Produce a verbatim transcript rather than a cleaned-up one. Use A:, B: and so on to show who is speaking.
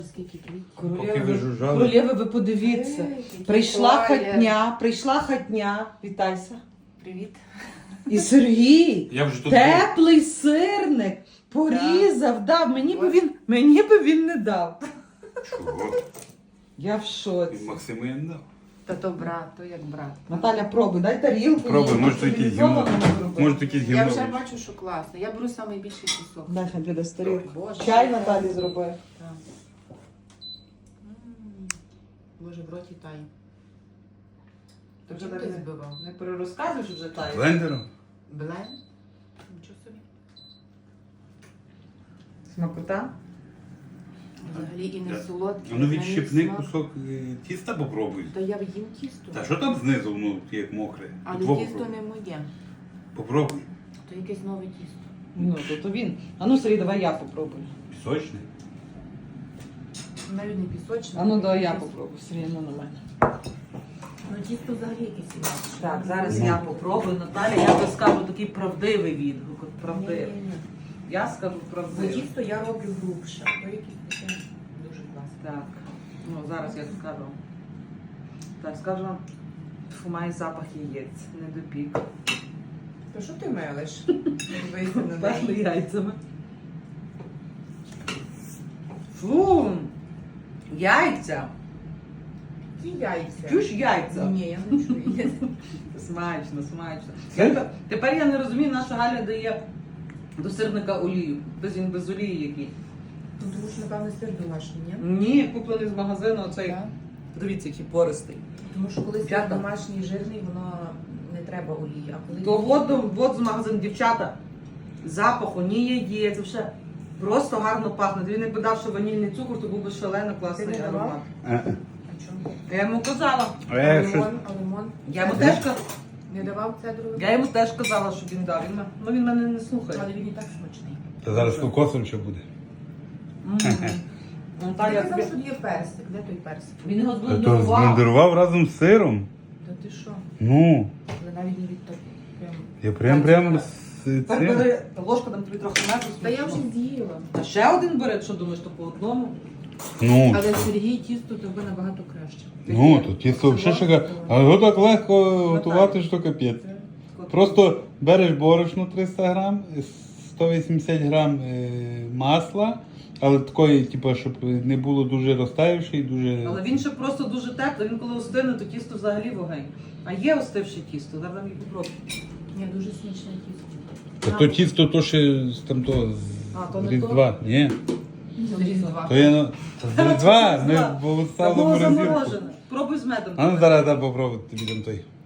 A: Скільки квітів.
B: Поки ви
C: Королєви,
B: жужжали.
C: королєви, ви подивіться.
A: Ей,
C: Прийшла
A: колір.
C: хатня, прийшла хатня. Вітайся.
A: Привіт.
C: І Сергій,
B: Я вже тут був.
C: теплий сирник, порізав, дав. Мені би він, мені би він не дав.
B: Чого?
C: Я в
B: І
C: шоці.
B: Максимин дав.
A: Та то брат, то як брат.
C: Наталя, пробуй, дай тарілку.
B: Пробуй,
C: їй,
B: може то якийсь гімно.
C: цивілізовано зроби.
B: Може то якийсь
A: Я
B: гімно.
A: вже бачу, що класно. Я беру найбільший пісок.
C: Дай хай піде з тарілки.
A: Боже.
C: Чай Наталі зроби.
A: Так. М, Боже, в роті тає. То
C: Вже
A: чим
C: так
A: ти
C: не-
A: збивав?
C: Не перерозказуєш вже таю.
B: Блендером?
A: Блен? Нічого собі.
C: Смакота?
A: Взагалі і не
B: Да.
A: солодкий.
B: А ну
A: навіть
B: відщипни
A: смак.
B: кусок е, тіста попробуй.
A: Та я їм тісто.
B: Та що там знизу, ну, як мокре?
A: Але
B: Двох
A: тісто
B: попробуй.
A: не моє.
B: Попробуй.
A: То якесь нове тісто.
C: Ну, то, то він. А ну, Сергій, давай я попробую.
B: Пісочне.
A: Навіть не пісочне.
C: А ну, давай я
A: Тісто.
C: попробую, Сергій, ну на мене.
A: Ну тісто взагалі якесь інакше.
C: Так, зараз
B: Ну.
C: я попробую. Наталя, я би скажу такий правдивий відгук. От правдивий.
A: Ні-ні-ні.
C: Я скажу
A: Бо
C: правдивий.
A: тісто я роблю грубше. То якесь таке дуже класне.
C: Так. Ну, зараз я скажу. Так, скажу вам, фу, має запах яєць, не допік.
A: То що ти мелиш? Дивися на
C: Пахли
A: неї.
C: яйцями. Фу! Яйця!
A: Які яйця?
C: Чуєш яйця?
A: Ні, я не чую.
C: Смачно, смачно.
B: Це-
C: Я тепер, тепер я не розумію, наша Галя дає до сирника олію. Без він без олії який.
A: Ну, тому що, напевно, сир домашній, ні?
C: Ні, куплений з магазину оцей.
A: Так.
C: Дивіться, який пористий.
A: Тому що коли сир
C: Дівчата.
A: домашній жирний, воно не треба олії. А коли
C: То от, от з магазину, дівчата, запаху, ні яєць, вже просто гарно пахне. Він якби дав ще ванільний цукор, то був би шалено класний
A: Ти не давав?
C: аромат.
B: Е,
A: А чому?
C: Я йому казала.
B: А
A: А
B: я щось...
A: лимон, а лимон?
C: Я йому
A: Цедру?
C: теж казала.
A: Не давав цедру?
C: Я йому теж казала, щоб він дав. Він, ме- ну він мене не слухає.
A: Але він і так смачний.
B: Та зараз кокосом ще буде.
C: М.
A: Ти
C: Наталя,
A: казав,
C: тобі-
A: що є персик. Де той персик?
C: він його
B: Та то
C: зблендував.
B: зблендерував разом з сиром.
A: Та ти що?
B: Ну,
A: Але навіть не від того. Прям.
B: я прям прямо з
C: Тепер
B: цим.
C: бери ложку, там тобі трохи меду.
A: Та я вже
C: смачно.
A: з'їла.
C: А ще один бери, що думаєш, то по одному?
B: Ну,
A: Але Сергій тісто тобі набагато краще.
B: ну, то тісто взагалі шикарно. А його так легко готувати, що капець. Просто береш борошно триста грам, сто вісімдесят грам е, масла, але такої, типу, щоб не було дуже розтаявши і дуже.
C: Але він ще просто дуже теплий, він коли остине, то тісто взагалі вогонь. А є остивше тісто, зараз її попробуй.
A: Ні, дуже смачне тісто.
B: Та то тісто то ще з там то
C: А, то
B: з
C: не
B: Різдва. Ні.
A: З Різдва.
B: То я на та з Різдва,
C: З
B: ми
C: Різдва.
B: було
C: Та
B: ставили
C: було
B: морозилку.
C: заморожене. Пробуй з медом.
B: А ну зараз дай попробувати тобі там той.